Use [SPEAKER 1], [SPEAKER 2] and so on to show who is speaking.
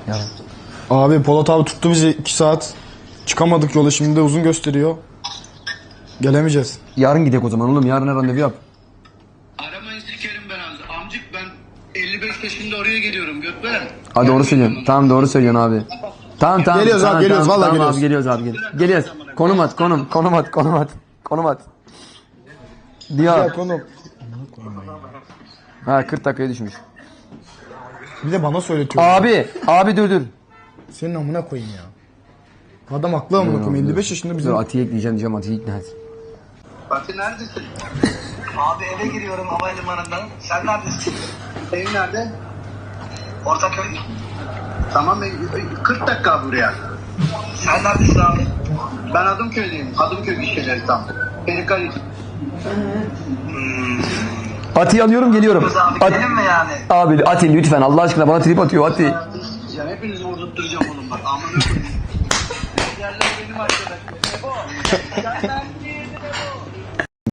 [SPEAKER 1] Yarın.
[SPEAKER 2] Abi Polat abi tuttu bizi 2 saat. Çıkamadık yola, şimdi de uzun gösteriyor. Gelemeyeceğiz.
[SPEAKER 1] Yarın gidelim o zaman oğlum. Yarın randevu yap.
[SPEAKER 3] Aramayın sikerim ben abi. Amcık ben 55 yaşında oraya geliyorum Gökmen.
[SPEAKER 1] Hadi doğru söylüyorsun. Tamam doğru söylüyorsun abi. Tamam.
[SPEAKER 2] Geliyoruz
[SPEAKER 1] tamam,
[SPEAKER 2] abi, geliyoruz,
[SPEAKER 1] tamam,
[SPEAKER 2] vallahi
[SPEAKER 1] tamam
[SPEAKER 2] geliyoruz.
[SPEAKER 1] abi geliyoruz. Konum at. Konum at. Diyor.
[SPEAKER 2] Ya konu.
[SPEAKER 1] Ha 40 dakikaya düşmüş.
[SPEAKER 2] Bir de bana söyletiyor.
[SPEAKER 1] Abi dur.
[SPEAKER 2] Senin amına koyayım ya. Adam haklı amına koyayım. 55 yaşında bizim.
[SPEAKER 1] Dur Atiye ekleyeceğim diyeceğim. Atiye ikna et.
[SPEAKER 3] Fatih neredesin? Abi eve giriyorum havalimanından. Sen neredesin? Evin nerede? Ortaköy. Tamam 40 dakika buraya. Sen neredesin abi? Ben Adımköy'deyim. Adımköy gişeleri tam. Perikali.
[SPEAKER 1] Atiye alıyorum geliyorum.
[SPEAKER 3] Abi gidelim mi yani?
[SPEAKER 1] Abi Atiye lütfen Allah aşkına bana trip atıyor Atiye.
[SPEAKER 3] Ya hepinizi vurdurtturacağım oğlum bak. Amına koyayım. Yerler benim arkadaşım. O. Yerler.